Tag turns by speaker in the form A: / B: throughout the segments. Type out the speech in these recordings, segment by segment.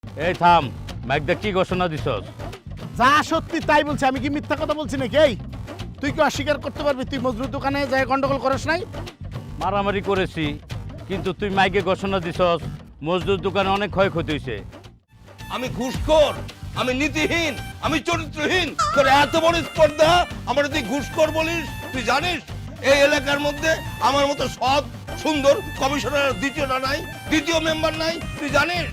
A: এই থাম, ম্যাকদা কি ঘোষণা দিছস?
B: যা সত্যি তাই বলছি, আমি কি মিথ্যা কথা বলছি নাকি? এই তুই কি অস্বীকার করতে পারবি তুই মজরুর দোকানে যায় গন্ডগোল করস নাই?
A: মারামারি করেছি, কিন্তু তুই মাইকে ঘোষণা দিছস মজদুর দোকানে অনেক ক্ষয়ক্ষতি হয়েছে।
C: আমি ঘুষখোর, আমি নীতিহীন, আমি চরিত্রহীন। তোর এত বড় স্পর্ধা, আমার তুই ঘুষখোর বলিস? তুই জানিস এই এলাকার মধ্যে আমার মতো সৎ সুন্দর কমিশনার দ্বিতীয়টা নাই, দ্বিতীয় মেম্বার নাই, তুই জানিস?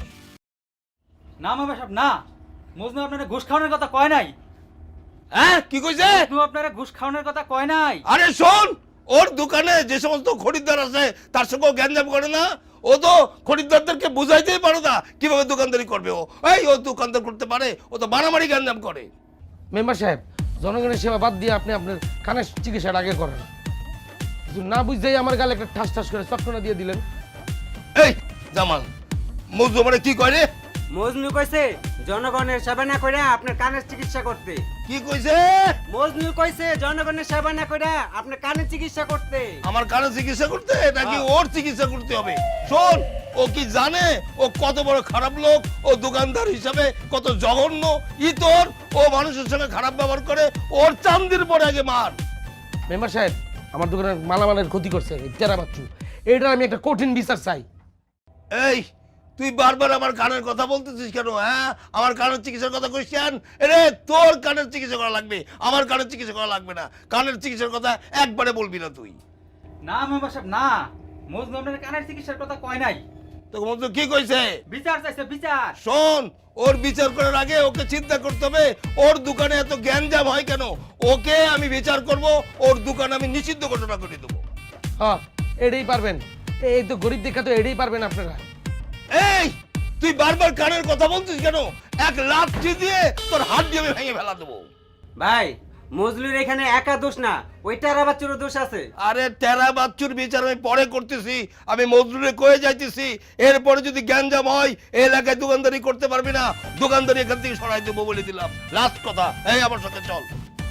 D: না মেম্বার সাহেব না, মজনু আপনারা ঘুষ খাওয়ানোর কথা কয় নাই।
C: হ্যাঁ কি কইছে?
D: মজনু আপনারা ঘুষ খাওয়ানোর কথা কয় নাই।
C: আরে শোন, ওর দোকানে যে সমস্ত খরিদ্দার আছে তার সঙ্গে গ্যাঞ্জাম করে না। ও তো খরিদ্দারদেরকে বুঝাইতেই পারে না কিভাবে দোকানদারি করবে। ও দোকানদার করতে পারে, ও তো মারামারি গ্যাঞ্জাম করে।
E: মেম্বার সাহেব, জনগণের সেবা বাদ দিয়ে আপনি আপনার কানের চিকিৎসাটা আগে করেন। কিছু না বুঝতেই আমার গালে একটা ঠাস ঠাস করে চটকনা দিয়ে দিলেন।
C: এই জামাল, মজনু মানে কি করে?
F: মজনু কইছে জনগণের সেবা না কইরা আপনার কানের চিকিৎসা করতে।
C: কি কইছে?
F: মজনু কইছে জনগণের সেবা না কইরা আপনার কানের চিকিৎসা করতে।
C: আমার কানে চিকিৎসা করতে নাকি ওর চিকিৎসা করতে হবে? শোন, ও কি জানে ও কত বড় খারাপ লোক? ও দোকানদার হিসাবে কত জঘন্য ইতর। ও মানুষের সঙ্গে খারাপ ব্যবহার করে, ওর চান্দির পরে আগে মার।
E: মেম্বার সাহেব, আমার দোকানের মালামালের ক্ষতি করছে এই টেরা বাচ্চু। এইটার আমি একটা কঠিন বিচার চাই।
C: এই তুই বারবার আমার কানের কথা বলতেছিস কেন? হ্যাঁ, আমার কানের চিকিৎসার কথা কইস কেন? রে তোর কানের চিকিৎসা করা লাগবে, আমার কানের চিকিৎসা করা লাগবে না। কানের চিকিৎসার কথা একবারে বলবি না তুই।
D: না মেম্বার সাহেব না, মজনু আপনার কানের চিকিৎসার কথা কয় নাই।
C: তোকে মজনু কি কইছে?
D: বিচার চাইছে বিচার।
C: শোন, ওর বিচার করার আগে ওকে চিন্তা করতে হবে ওর দোকানে এত গ্যাঞ্জাম হয় কেন। ওকে আমি বিচার করব, ওর দোকান আমি নিষিদ্ধ ঘোষণা করে দেবো।
E: হ্যাঁ, এটাই পারবেন। এই তো গরিব দেখা তো এটাই পারবেন আপনারা।
C: এই তুই বারবার কানের কথা বলছিস কেন? এক লাথি দিয়ে তোর হাত দিয়ে আমি ভেঙে ফেলা দেবো।
F: ভাই মজলুর এখানে একা দোষ না, ওই টেরা বাচ্চারও দোষ আছে।
C: আরে তেরা বাচ্চুর বিচার আমি পরে করতেছি, আমি মজদুরে কয়ে যাইতেছি। এরপরে যদি গ্যাঞ্জাম হয় এই এলাকায় দোকানদারি করতে পারবি না, দোকানদারি এখান থেকে সরাই দেবো বলে দিলাম। লাস্ট কথা, এই আমার সাথে চল।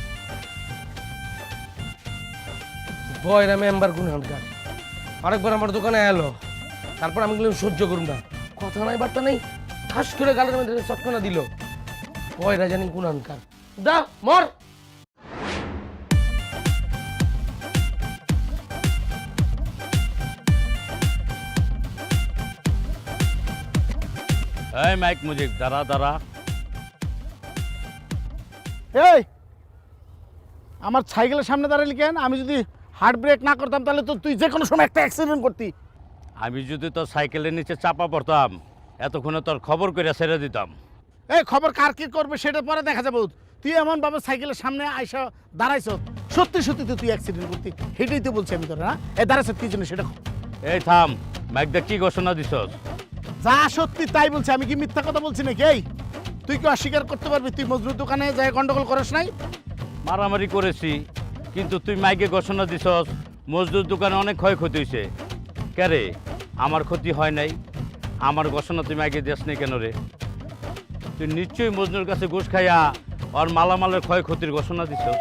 E: বয়রা মেম্বার গুনহানকার আরেকবার আমার দোকানে এলো, তারপর আমি বললাম সহ্য করুন না, কথা নাই বার্তা নেই, ঠাস করে গালের মধ্যে চটকনা দিল। বয়রা জানি গুনহানকার। দা মর।
A: এই মাইক মুজিক, দাঁড়া দাঁড়া।
B: এই আমার সাইকেলের সামনে দাঁড়ালি কেন? আমি যদি হার্ট ব্রেক না করতাম তাহলে তো তুই যে কোনো সময় একটা অ্যাক্সিডেন্ট করতি।
A: আমি যদি তোর সাইকেলের নিচে চাপা পড়তাম এতক্ষণে তোর খবর করে ছেড়ে দিতাম।
B: এই খবর কার কি করবে সেটা পরে দেখা যাবে। তুই এমন ভাবে সাইকেলের সামনে আইসা দাঁড়াইছ, সত্যি সত্যি তো তুই অ্যাক্সিডেন্ট করতি। সেটাই তো বলছি আমি তোর। না এই দাঁড়াইছ কি জন্য সেটা?
A: এই থাম, ম্যাকদা কি ঘোষণা দিছস?
B: যা সত্যি তাই বলছি, আমি কি মিথ্যা কথা বলছি নাকি? এই তুই কি অস্বীকার করতে পারবি তুই মজরুর দোকানে যায় গন্ডগোল করস নাই?
A: মারামারি করেছি, কিন্তু তুই মাইকে ঘোষণা দিছস মজদুর দোকানে অনেক ক্ষয়ক্ষতি হয়েছে। কে আমার ক্ষতি হয় নাই? আমার ঘোষণা তুই মাইকে দিস নাই কেন রে? তুই নিশ্চয়ই মজনুর কাছে ঘুষ খাইয়া আর মালামালের ক্ষয়ক্ষতির ঘোষণা দিছস।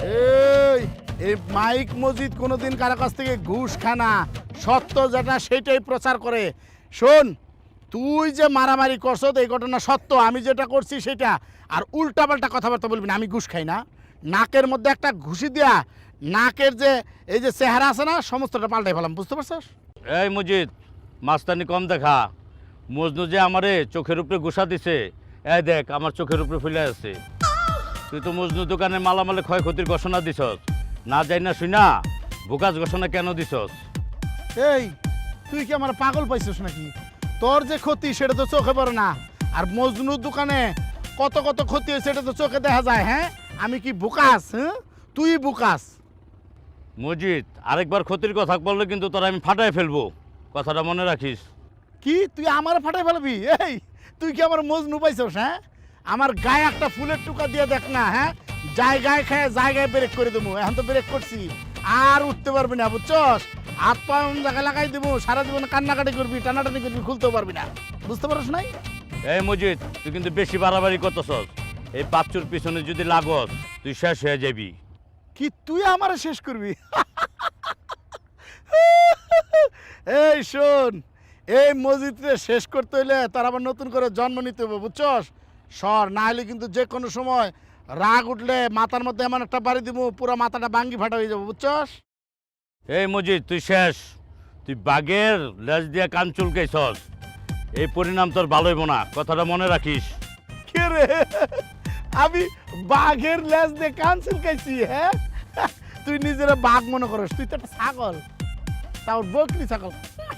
B: এই মাইক মজিদ কোনোদিন কারো কাছ থেকে ঘুষ খানা, সত্য যেটা সেটাই প্রচার করে। শোন, তুই যে মারামারি করছ এই ঘটনা সত্য, আমি যেটা করছি সেটা। আর উল্টাপাল্টা কথাবার্তা বলবি না। আমি ঘুষ খাই না। নাকের মধ্যে একটা ঘুষি দিয়া নাকের যে এই যে চেহারা আছে না সমস্তটা পাল্টাই ফেলাম, বুঝতে পারছস?
A: এই মজিদ, মাস্তানি কম দেখা। মজনু যে আমারে চোখের উপরে ঘুষা দিছে, এই দেখ আমার চোখের উপরে ফুলে আছে। তুই তো মজনু দোকানে মালামালে ক্ষয়ক্ষতির ঘোষণা দিছস, না যাই না শুই না ভুকাজ ঘোষণা কেন দিছস?
B: এই তুই কি আমার পাগল পাইছিস নাকি? তোর যে ক্ষতি সেটা তো চোখে পড়ে না। আর মজনুর দোকানে কত কত ক্ষতি হয়েছে সেটা তো চোখে দেখা যায়। হ্যাঁ, আমি কি বুকাস? হ্যাঁ, তুই বুকাস।
A: মজিদ, আরেকবার ক্ষতির কথা বললে কিন্তু তোর আমি ফাটাই ফেলবো, কথাটা মনে রাখিস।
B: কি তুই আমার ফাটাই ফেলবি? এই তুই কি আমার মজনু পাইছস? হ্যাঁ, আমার গায়ে একটা ফুলের টুকা দিয়ে দেখ না। হ্যাঁ, জায়গায় খায় জায়গায় ব্রেক করে দেবো। এখন তো ব্রেক করছি, আর উঠতে পারবি না, বুঝছস? হাত পা জায়গায় লাগাই দেবো, সারা জীবন কান্নাকাটি করবি, টানাটানি করবি, খুলতেও পারবি না, বুঝতে পারছ নাই?
A: এই মজিদ, তুই কিন্তু বেশি বাড়াবাড়ি করতেছস। এই বাচ্চুর পিছনে যদি লাগস তুই শেষ হয়ে যাবি।
B: কি তুই আমারে শেষ করবি? এই শোন, এই মসজিদে শেষ করতে হইলে তার আবার নতুন করে জন্ম নিতে হবে বুঝছস সর না হলে কিন্তু যে কোনো সময় রাগ উঠলে মাথার মধ্যে এমন একটা বাড়ি দিব পুরো মাথাটা ভাঙ্গি ফাটা হয়ে যাবো বুঝছস
A: এই মজিদ তুই শেষ, তুই বাঘের লেজ দিয়ে কান চুলকাইছস, এই পরিণাম তোর ভালো হইব না, কথাটা মনে রাখিস।
B: কে রে আমি বাঘের লেজ দিয়ে কান চুলকাইছি হ্যাঁ তুই নিজেরা বাঘ মনে করস তুই তো একটা ছাগল তাও বকরি ছাগল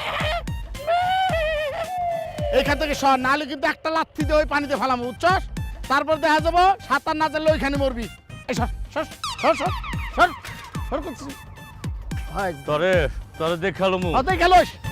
B: এইখান থেকে সর নাহলে কিন্তু একটা লাথি দিয়ে ওই পানিতে ফেলাম বুঝছস তারপর দেখা যাবো সাঁতার না জানলে ওইখানে মরবি এই সর সর সর সর সর সর করছিস
A: তোরে তোরে দেখালো মু
B: অতই খেলোস